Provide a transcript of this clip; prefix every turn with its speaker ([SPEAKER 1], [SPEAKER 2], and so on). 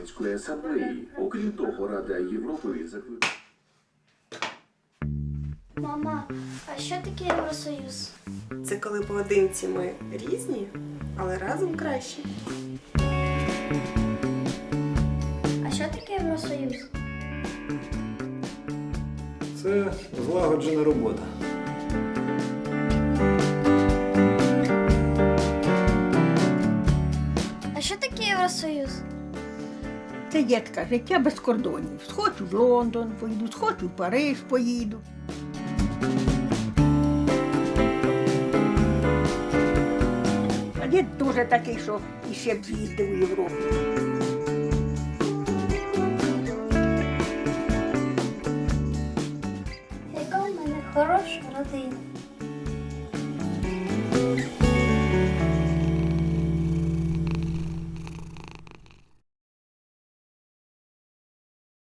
[SPEAKER 1] громадської асамблеї. Окрім того, Рада Європи закликає...
[SPEAKER 2] Мама, а що таке Євросоюз?
[SPEAKER 3] Це коли поодинці ми різні, але разом краще.
[SPEAKER 2] А що таке Євросоюз?
[SPEAKER 4] Це злагоджена робота.
[SPEAKER 2] А що таке Євросоюз?
[SPEAKER 5] Це, дітка, життя без кордонів. Схочу в Лондон поїду, схочу в Париж поїду. А дід дуже такий, що іще б з'їздив у Європу.